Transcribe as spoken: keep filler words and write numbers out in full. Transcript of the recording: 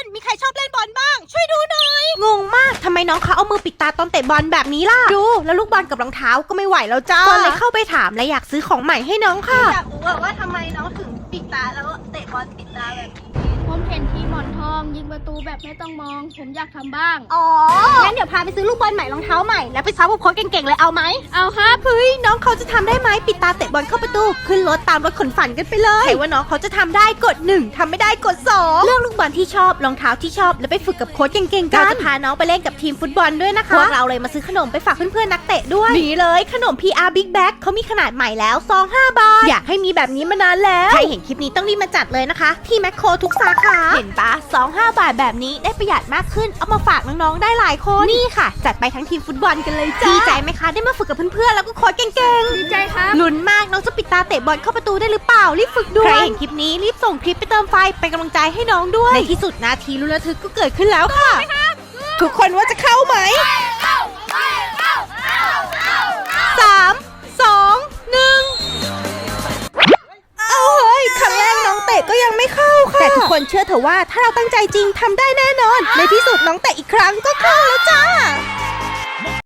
มีใครชอบเล่นบอลบ้างช่วยดูหน่อยงงมากทำไมน้องเขาเอามือปิดตาตอนเตะบอลแบบนี้ล่ะดูแล้วลูกบอลกับรองเท้าก็ไม่ไหวแล้วจ้าก็เลยเข้าไปถามและอยากซื้อของใหม่ให้น้องค่ะอยากรู้ว่าทำไมน้องถึงปิดตาแล้วเตะบอลปิดตาแบบนี้ผมเห็นทีมหมอนทองยิงประตูแบบไม่ต้องมองผมอยากทำบ้างอ๋องั้นเดี๋ยวพาไปซื้อลูกบอลใหม่รองเท้าใหม่แล้วไปซ้อมกับโค้ชเก่งๆเลยเอาไหมเอาครับเฮ้ยน้องเขาจะทำได้ไหมปิดตาเตะบอลเข้าประตูขึ้นรถตามรถขนฝันกันไปเลยใครว่าน้องเขาจะทำได้กดหนึ่งทำไม่ได้กดสองเลือกลูกบอลที่ชอบรองเท้าที่ชอบแล้วไปฝึกกับโค้ชเก่งๆกันเราจะพาน้องไปเล่นกับทีมฟุตบอลด้วยนะคะพวกเราเลยมาซื้อขนมไปฝากเพื่อนๆนักเตะด้วยนี่เลยขนม พี อาร์ Big Bag เขามีขนาดใหม่แล้วซองห้าบาทอยากให้มีแบบนี้มานานแล้วใครเห็นคลิปนี้ต้องรีบมาจัดเลยนะคะที่แมคโครทุกสาขาเห็นปะซองห้าบาทแบบนี้ได้ประหยัดมากขึ้นเอามาฝากน้องๆได้หลายคนนี่ค่ะจัดไปทั้งทีมฟุตบอลกันเลยจ้าดีใจไหมคะได้มาฝึกกับเพื่อนๆแล้วก็โค้ชเก่งๆดีใจครับลุ้นมากน้องจะปิดตาเตะบอลเข้าประตูได้หรือเปล่ารีบฝึกด้วยใครเห็นคลิปนี้รีบส่งคลิปไปเติมไฟเป็นกำลังใจให้น้องด้วยในที่สุดนาทีลุ้นระทึกก็เกิดขึ้นแล้วค่ะทุกคนว่าจะเข้าไหมสามสองหนึ่งเอาเฮ้ยครั้งแรกน้องเตะก็ยังไม่เข้าค่ะแต่ทุกคนเชื่อเถอะว่าถ้าเราตั้งใจจริงทำได้แน่นอนในที่สุดน้องเตะอีกครั้งก็เข้าแล้วจ้า